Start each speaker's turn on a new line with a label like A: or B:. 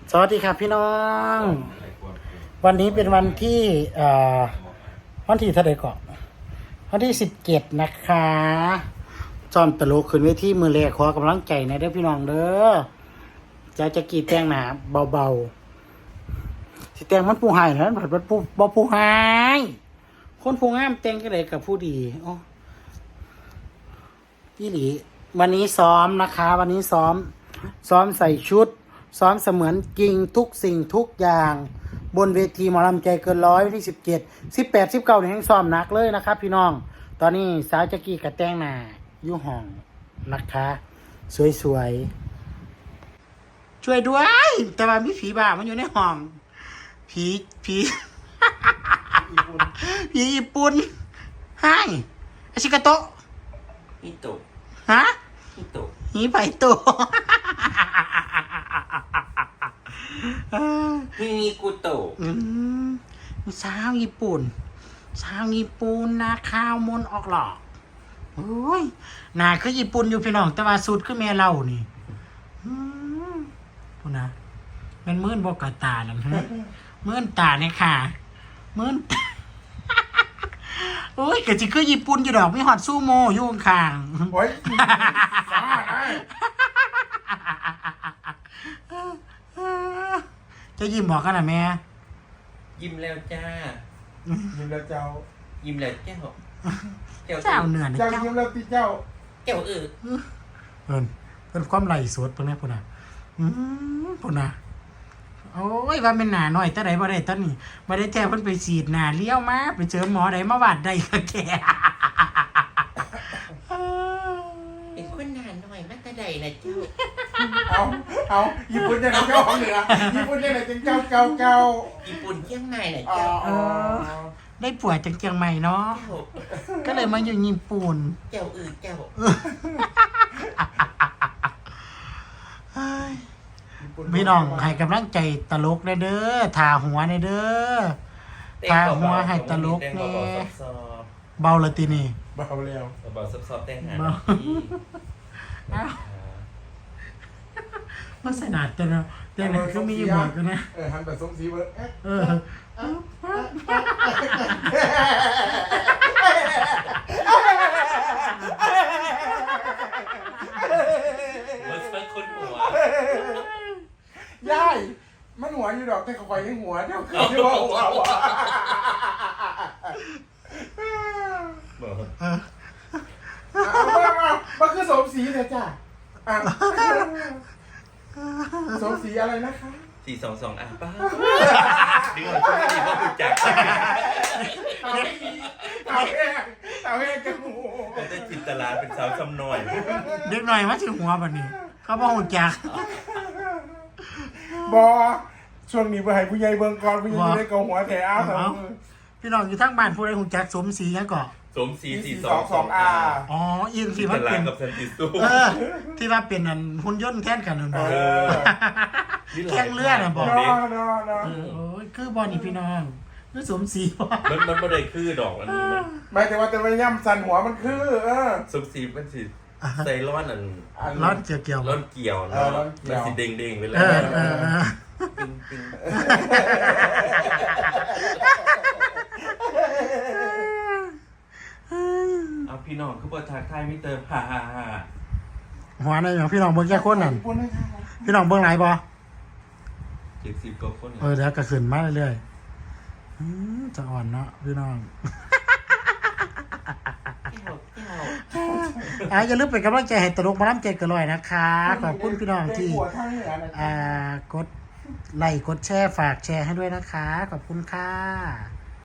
A: สวัสดีครับพี่น้อง วันนี้เป็นวันที่วันที่เท่าไหร่ก่อนวันที่17นะคะจอมตลกขึ้นเวทีมือแรกขอกำลังใจนะเด้อพี่น้องเด้อจะกีดแต่งหนาเบาๆสิแต่งมันผู้หายนะมันผู้หายคนผู้งามแต่งก็เลยกับผู้ดีอ๋อพี่หลีวันนี้ซ้อมนะคะ วันนี้ซ้อมใส่ชุดซ้อมเสมือนจริงทุกสิ่งทุกอย่างบนเวทีหมอลำใจเกินร้อยวันที่17 18 19นี่ยังซ้อมหนักเลยนะครับพี่น้องตอนนี้สาวจักรีกับแต่งหน้าอยู่ห้องนะคะสวยๆช่วยด้วยแต่ว่ามีผีบ้ามันอยู่ในห้องผีผีญี่ปุ่นให้อาชิกาโตะ
B: ฮิโตะ
A: ฮะ
B: ฮิโตะ
A: หีไปโตะ
B: มีกุโตะ
A: สาวญี่ปุ่นนะข้าวมนออกหลอกโอ้ยหน้าคือญี่ปุ่นอยู่พี่น้องแต่ว่าสูตรคือแม่เรานี่พูดนะมันมื่นบกตาหนังมื่นตาเนี่ยค่ะมื่นโอ้ยกะจิคือญี่ปุ่นอยู่ดอกไม่ฮอดซูโม่อยู่ข้าง
C: โอ้ยสาได้
A: จะยิ้มบอกกันนะแม่
B: ยิ้มแล้วจ้า
C: ยิ้มแล้วเจ้า
B: ยิ้มแล้วเจ้า
A: เจ้าเหนื่อยนะ
C: เจ้า
A: เจ้า
C: ยิ้มแล้วตีเจ้า
B: เจ้า
A: เป็นความไหลสดตรงนี้พูดนะพูดนะโอ้ยว่าเป็นหนาหน่อยแต่ไหนบ่ได้ตอนนี้บ่ได้แท้เพิ่นไปฉีดหนาเลี้ยวมาไปเจอหมอใดมาวาดได้ก็แก่
B: เป็นคนนานหน่อยมากกระไดนะเจ้า
C: เอาญี่ปุ่นเนี่ยเจ้าของเหนือญี่ปุ่นเนี่ยเป็นเจ้า
B: ญี่ปุ่นเชียงใหม่นะ
C: อ๋อ
B: เจ้า
A: ได้ป่วยจากเชียงใหม่เนาะ
B: เจ้า
A: ก็เลยมาอยู่ญี่ปุ่น
B: เจ้าเจ้า
A: พี่น้องให้กำลังใจตลกเด้อทาหัวเด้อทาหัวให้ตลกแน่เบาละตินี่
C: เบาแล้ว
B: เบาซับๆแต่งหา
A: มาสนาดแต่เนาะแต่ไหนก็มีหมดกันนะ
C: หันแบบสมศรีเบอร์
B: มันเป็นคนหัว
C: ย่ายมันหัวอยู่ดอกแต่เขาคอยให้หัวเดี๋ยวเขาจะบอกว่ามันคือสมศรีเนี่ยจ้ะสมศรีอะไรนะคะ
B: 422ป้าดึงออกช่วยดีเพราะคุณจัก
C: เอาแห้งกันหู
B: แต่ได้จินตลาเป็นสาวซ้ำหน่อย
A: เด็กหน่อยมาถึงหัวบัดนี้เขาบอกหุ่นจัก
C: บอช่วงนี้ไปให้ผู้ใหญ่เบิ่งก่อนผู้ใหญ่จะได้เกาหัวแถวสองมือ
A: พี่น้องอยู่ทั้งบ้านผู้ใดหุ่นจักสมศรียังก่อ
B: สมศรี422
A: อ๋ออินที่
B: จิน
A: มั
B: ต
A: น
B: ลา
A: เป็น
B: กับสันติสุข
A: ที่ว่าเป็นอันหุ่นยนต์แทนกันนั่นบ่แข่งเลือดน่ะบ่โอ้ยคือบอนี่พี่น้องคือสมศรีบ่
B: มันไม่ได้คือดอกอันนี้มัน
C: ไม่แต่ว่าจะไม่ย่ำสันหัวมันคือ
B: สมศรีมันสิใส่ร้อนอัน
A: ร้อนเกี่ยว
B: ร้อนเกี่ยวเนาะมันสิเด้งๆไปเลยปิงเอาพี่น้องคือบ่ทักทายมิเตอร์ฮ่า
A: หัวในอย่างพี่น้องเบิ่งแค่คนนั่นพี่น้องเบิ่งหลายบ่
B: 70กว่าคน
A: เดี๋ยวก็ขึ้นมาเรื่อยๆจะอ่อนเนาะพี่น้องอย่าลืมเป็นกำลังใจให้ตลกมาล้ำใจกันเลยนะคะขอบคุณพี่น้องที่กดไลค์กดแชร์ฝากแชร์ให้ด้วยนะคะขอบคุณค่ะ